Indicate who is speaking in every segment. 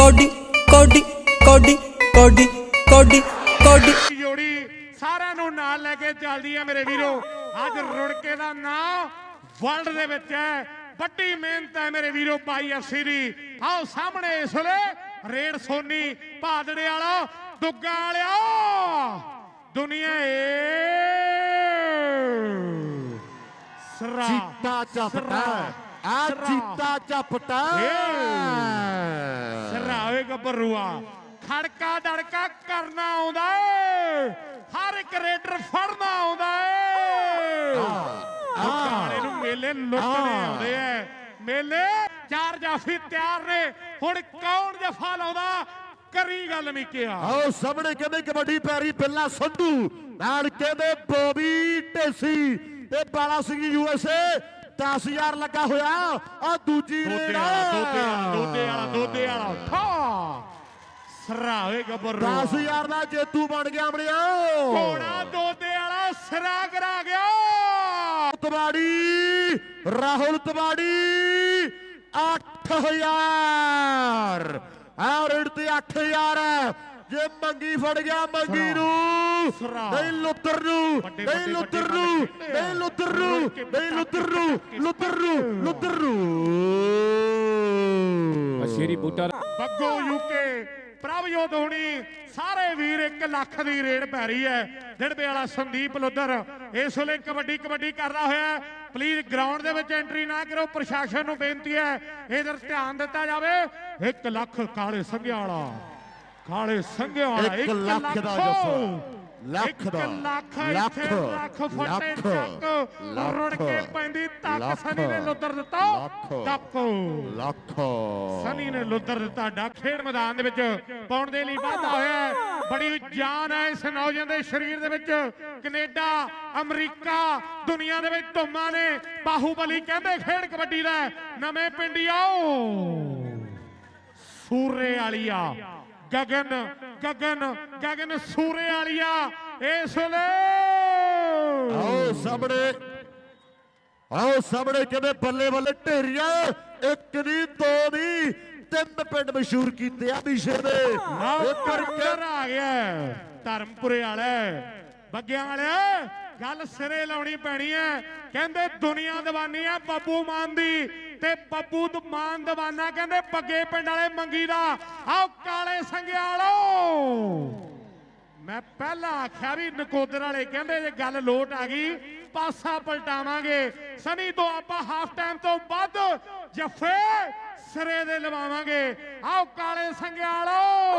Speaker 1: Cody ਕੋਡੀ ਕੋਡੀ ਕੋਡੀ ਕੋਡੀ ਕੋਡੀ
Speaker 2: ਜੋੜੀ ਸਾਰਿਆਂ ਨੂੰ ਨਾਲ ਲੈ ਕੇ ਚੱਲਦੀ ਹੈ ਮੇਰੇ ਵੀਰੋ। ਅੱਜ ਰੁੜਕੇ ਦਾ ਨਾਮ ਵਰਲਡ ਦੇ ਵਿੱਚ ਹੈ। ਵੱਡੀ ਮਿਹਨਤ ਹੈ ਮੇਰੇ ਵੀਰੋ ਬਾਈ ਐਫਸੀ ਦੀ। ਆਓ ਸਾਹਮਣੇ ਇਸ ਵੇਲੇ ਰੇਡ ਸੋਨੀ ਭਾਦੜੇ ਵਾਲਾ ਦੁੱਗਾ ਵਾਲਿਆ ਦੁਨੀਆ ਸਰਾ
Speaker 3: ਚੀਤਾ ਚਪਟਾ ਆ ਚੀਤਾ ਚਪਟਾ
Speaker 2: ਸਰਾਵੇ ਗੱਭਰੂਆ ਖੜਕਾ ਦੜਕਾ ਕਰਨਾ ਆਉਂਦਾ ਏ। ਹਰ ਇੱਕ ਰੇਡਰ ਫੜਨਾ ਆਉਂਦਾ ਏ। ਕਾਲੇ ਨੂੰ ਮੇਲੇ ਲੁੱਟਣੇ ਆਉਂਦੇ ਐ। ਮੇਲੇ ਚਾਰ ਜਾਫੀ ਤਿਆਰ ਨੇ। ਹੁਣ ਕੌਣ ਜਫਾ ਲਾਉਂਦਾ ਕਰੀ ਗੱਲ ਮਿੱਕਿਆ।
Speaker 3: ਆਓ ਸਾਹਮਣੇ ਕਹਿੰਦੇ ਕਬੱਡੀ ਪੈਰੀ ਬਿੱਲਾ ਸੰਧੂ ਨਾਲ ਕਹਿੰਦੇ ਬੋਬੀ ਢੇਸੀ ਤੇ ਬਾਲਾ ਸਿੰਘ USA 10,000 ਲੱਗਾ ਹੋਇਆ। ਆ ਦੂਜੀ ਰੇਡ
Speaker 2: ਦੋਦੇ ਵਾਲਾ ਠਾ ਸਰਾਵੇ ਗੱਭਰੂ
Speaker 3: 10,000 ਦਾ ਜੇਤੂ ਬਣ ਗਿਆ ਅਮੜਿਆ।
Speaker 2: ਕੋਣਾ ਦੋਦੇ ਵਾਲਾ ਸਿਰਾ ਕਰਾ ਗਿਆ।
Speaker 3: ਤਵਾੜੀ ਰਾਹੁਲ ਤਵਾੜੀ 8,000 ਆ ਰੇਡ ਤੇ 8,000 ਹੈ। ਜੇ ਮੰਗੀ ਫੜ ਗਿਆ ਮੰਗੀ ਨੂੰ ਨਹੀਂ ਲੁੱਤਰ ਨੂੰ ਨਹੀਂ ਲੁੱਤਰ ਨੂੰ ਨਹੀਂ ਲੁੱਤਰ ਨੂੰ ਨਹੀਂ ਲੁੱਤਰ ਨੂੰ ਲੁੱਤਰ ਨੂੰ ਲੁੱਤਰ ਨੂੰ
Speaker 4: ਸ਼ੇਰੀ ਬੂਟਾ
Speaker 2: ਬੱਗੋ UK ਪ੍ਰਭਜੋਤ ਹੋਣੀ ਸਾਰੇ ਵੀਰ 1 ਲੱਖ ਦੀ ਰੇਡ ਪੈ ਰਹੀ ਹੈ। ਡਿੜਬੇ ਵਾਲਾ ਸੰਦੀਪ ਲੁੱਦਰ ਇਸ ਵੇਲੇ ਕਬੱਡੀ ਕਰਦਾ ਹੋਇਆ। ਪਲੀਜ਼ ਗਰਾਊਂਡ ਦੇ ਵਿੱਚ ਐਂਟਰੀ ਨਾ ਕਰੋ। ਪ੍ਰਸ਼ਾਸਨ ਨੂੰ ਬੇਨਤੀ ਹੈ ਇਧਰ ਧਿਆਨ ਦਿੱਤਾ ਜਾਵੇ। 1 ਲੱਖ ਕਾਲੇ ਸੰਘਿਆ ਵਾਲਾ
Speaker 3: 1 ਲੱਖ ਦਾ ਜੱਫਾ ਲੱਖ ਦਾ ਲੱਖ
Speaker 2: ਫੱਟੇ ਚੱਕ ਰੁੜ ਕੇ ਪੈਂਦੀ ਤੱਕ ਸਨੀ ਨੇ ਲੁੱਦਰ ਦਿੱਤਾ ਟੱਕ
Speaker 3: ਲੱਖ
Speaker 2: ਸਨੀ ਨੇ ਲੁੱਦਰ ਦਿੱਤਾ ਡੱਕ। ਖੇਡ ਮੈਦਾਨ ਦੇ ਵਿੱਚ ਪਾਉਣ ਦੇ ਲਈ ਵਾਧਾ ਹੋਇਆ। ਬੜੀ ਜਾਨ ਹੈ ਇਸ ਨੌਜਵਾਨ ਦੇ ਸਰੀਰ ਦੇ ਵਿੱਚ। ਕੈਨੇਡਾ ਅਮਰੀਕਾ ਦੁਨੀਆ ਦੇ ਵਿੱਚ ਧੁੰਮਾਂ ਨੇ। ਬਾਹੂਬਲੀ ਕਹਿੰਦੇ ਖੇਡ ਕਬੱਡੀ ਦਾ ਨਵੇਂ ਪਿੰਡੀ ਆਓ ਸੂਰੇ ਵਾਲੀਆ ਗਗਨ ਸੂਰੇ ਵਾਲੀਆ ਇਸ ਵੇਲੇ
Speaker 3: ਆਓ ਸਾਹਮਣੇ ਕਹਿੰਦੇ ਬੱਲੇ ਬੱਲੇ ਢੇਰੀਆਂ 1 ਨਹੀਂ 2 ਨਹੀਂ 3 ਪਿੰਡ ਮਸ਼ਹੂਰ ਕੀਤੇ ਆ ਬਿਸ਼ੇ ਦੇ।
Speaker 2: ਇੱਧਰ ਆ ਗਿਆ ਧਰਮਪੁਰੇ ਵਾਲੇ ਬੱਗਿਆਂ ਵਾਲੇ ਗੱਲ ਸਿਰੇ ਲਾਉਣੀ ਪੈਣੀ ਹੈ। ਕਹਿੰਦੇ ਦੁਨੀਆ ਦੀਵਾਨੀ ਹੈ ਬੱਬੂ ਮਾਨ ਦੀ ਤੇ ਬੱਬੂ ਮਾਨ ਦੀਵਾਨਾ ਕਹਿੰਦੇ ਬੱਗੇ ਪਿੰਡ ਵਾਲੇ ਮੰਗੀ ਦਾ। ਆਓ ਕਾਲੇ ਸੰਘਿਆਲੋ ਮੈਂ ਪਹਿਲਾਂ ਆਖਿਆ ਵੀ ਨਕੋਦਰ ਵਾਲੇ ਕਹਿੰਦੇ ਜੇ ਗੱਲ ਲੋਟ ਆ ਗਈ ਪਾਸਾ ਪਲਟਾਵਾਂਗੇ। ਸਨੀ ਤੋਂ ਆਪਾਂ ਹਾਫ ਟਾਈਮ ਤੋਂ ਵੱਧ ਜੱਫੇ ਸਿਰੇ ਦੇ ਲਵਾਵਾਂਗੇ। ਆਓ ਕਾਲੇ ਸੰਘਿਆਲੋ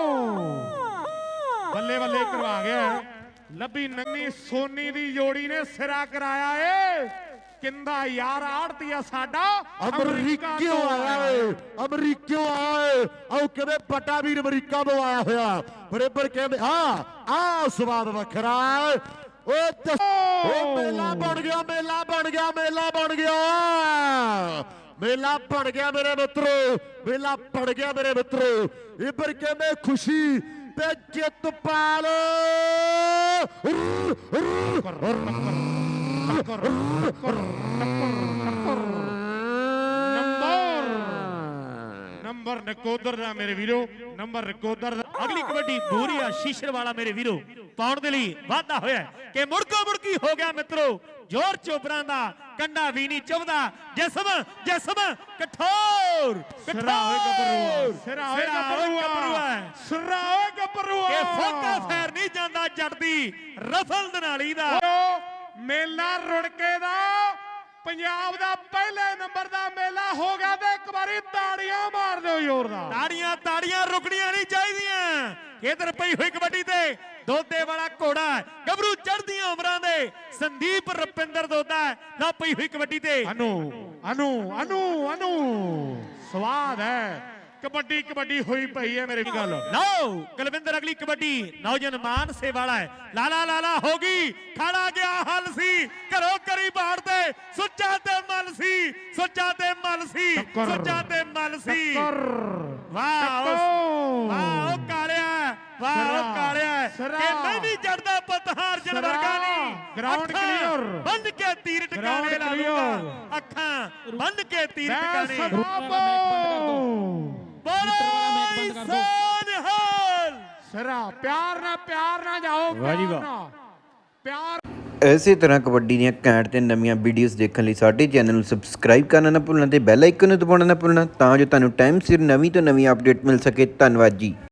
Speaker 2: ਬੱਲੇ ਬੱਲੇ ਕਰਵਾ ਗਿਆ। ਲੱਭੀ ਨੰਨੀ ਸੋਨੀ ਦੀ ਜੋੜੀ ਨੇ ਸਿਰਾ ਕਰਾਇਆ ਏ। ਕਿੰਦਾ ਯਾਰ ਆੜਤੀਆ ਸਾਡਾ
Speaker 3: ਅਮਰੀਕਿਓ ਆਇਆ ਏ ਅਮਰੀਕਿਓ ਆਏ। ਆਓ ਕਹਿੰਦੇ ਪਟਾ ਵੀਰ ਅਮਰੀਕਾ ਤੋਂ ਆਇਆ ਹੋਇਆ। ਬਰੇਬਰ ਕਹਿੰਦੇ ਆ ਸਵਾਦ ਵੱਖਰਾ ਉਹ ਮੇਲਾ ਬਣ ਗਿਆ ਮੇਲਾ ਬਣ ਗਿਆ ਮੇਲਾ ਬਣ ਗਿਆ ਮੇਲਾ ਬਣ ਗਿਆ ਮੇਰੇ ਮਿੱਤਰੋ ਮੇਲਾ ਬਣ ਗਿਆ ਮੇਰੇ ਮਿੱਤਰੋ। ਇੱਧਰ ਕਹਿੰਦੇ ਖੁਸ਼ੀ ਤੇ ਜਿੱਤ ਪਾਲ
Speaker 2: ਨੰਬਰ ਨਕੋਦਰ ਦਾ ਮੇਰੇ ਵੀਰੋ ਨੰਬਰ ਨਕੋਦਰ ਦਾ।
Speaker 5: ਅਗਲੀ ਕਬੱਡੀ ਬੂਰੀਆ ਸ਼ੀਸ਼ਰ ਵਾਲਾ ਮੇਰੇ ਵੀਰੋ ਪਾਉਣ ਦੇ ਲਈ ਵਾਧਾ ਹੋਇਆ ਕਿ ਮੁੜਕੋ ਮੁੜਕੀ ਹੋ ਗਿਆ ਮਿੱਤਰੋ। ਜ਼ੋਰ ਚੋਬਰਾਂ ਦਾ ਕੰਡਾ ਵੀ ਨਹੀਂ ਚੁਭਦਾ। ਜਿਸਮ ਕਠੋਰ
Speaker 2: ਸਿਰਾ ਹੋਏ ਗੱਭਰੂਆ
Speaker 5: ਇਹ ਫੋਕਾ ਫੈਰ ਨਹੀਂ ਜਾਂਦਾ ਜੱਟ ਦੀ ਰਫਲ ਦਨਾਲੀ ਦਾ।
Speaker 2: ਮੇਲਾ ਰੁੜਕੇ ਦਾ ਪੰਜਾਬ ਦਾ ਪਹਿਲੇ ਨੰਬਰ ਦਾ ਮੇਲਾ ਹੋ ਗਿਆ ਤੇ ਇੱਕ ਵਾਰੀ ਤਾੜੀਆਂ ਮਾਰ ਦਿਓ ਜ਼ੋਰਦਾਰ।
Speaker 5: ਤਾੜੀਆਂ ਰੁਕਣੀਆਂ ਨਹੀਂ ਚਾਹੀਦੀਆਂ। ਇਧਰ ਪਈ ਹੋਈ ਕਬੱਡੀ ਤੇ ਦੋਦੇ ਵਾਲਾ ਘੋੜਾ ਗੱਭਰੂ ਚੜ੍ਹਦੀਆਂ ਉਮਰਾਂ ਦੇ ਸੰਦੀਪ ਰੁਪਿੰਦਰ ਦੋਦਾ ਨਾ ਪਈ ਹੋਈ ਕਬੱਡੀ ਤੇ
Speaker 2: ਅਨੂ ਸਵਾਦ ਹੈ। ਕਬੱਡੀ ਹੋਈ ਪਈ ਹੈ ਮੇਰੇ ਗੱਲ।
Speaker 5: ਲਓ ਕੁਲਵਿੰਦਰ ਅਗਲੀ ਕਬੱਡੀ ਨੌਜਵਾਨ ਮਾਨਸੇ ਵਾਲਾ ਹੈ। ਲਾਲਾ ਹੋ ਗਈ ਖੜਾ ਗਿਆ ਹੱਲ ਸੀ ਘਰੋਂ ਕਰੀ ਬਾੜ ਤੇ ਸੁੱਚਾ ਤੇ ਮਲ ਸੀ ਵਾਹ ਕਾਲਿਆ ਕਿ ਮੈਂ ਵੀ ਜੜਦਾ ਪਤਹਾਰ ਜਨ ਵਰਗਾ ਨਹੀਂ।
Speaker 2: ਗਰਾਊਂਡ ਕਲੀਅਰ
Speaker 5: ਬੰਦ ਕੇ ਤੀਰ ਟਿਕਾਣੇ ਲਾ ਲੂਗਾ ਅੱਖਾਂ ਬੰਦ ਕੇ ਤੀਰ ਟਿਕਾਣੇ।
Speaker 4: ਬੋਲੇ
Speaker 2: ਸਿਰਾ ਪਿਆਰ ਨਾਲ ਜਾਓ
Speaker 5: ਵਾਹ ਜੀ
Speaker 2: ਪਿਆਰ
Speaker 5: ਵਾਹ।
Speaker 2: ਨਾਲ ਪਿਆਰ
Speaker 4: ਇਸੇ ਤਰ੍ਹਾਂ ਕਬੱਡੀ ਦੀਆਂ ਘੈਂਟ ਤੇ ਨਵੀਆਂ ਵੀਡੀਓਜ਼ ਦੇਖਣ ਲਈ ਸਾਡੇ ਚੈਨਲ ਨੂੰ ਸਬਸਕ੍ਰਾਈਬ ਕਰਨਾ ਨਾ ਭੁੱਲਣਾ ਤੇ ਬੈਲ ਆਈਕਨ ਨੂੰ ਦਬਾਉਣਾ ਨਾ ਭੁੱਲਣਾ ਤਾਂ ਜੋ ਤੁਹਾਨੂੰ ਟਾਈਮ ਸਿਰ ਨਵੀਂ ਤੋਂ ਨਵੀਂ ਅਪਡੇਟ ਮਿਲ ਸਕੇ। ਧੰਨਵਾਦ ਜੀ।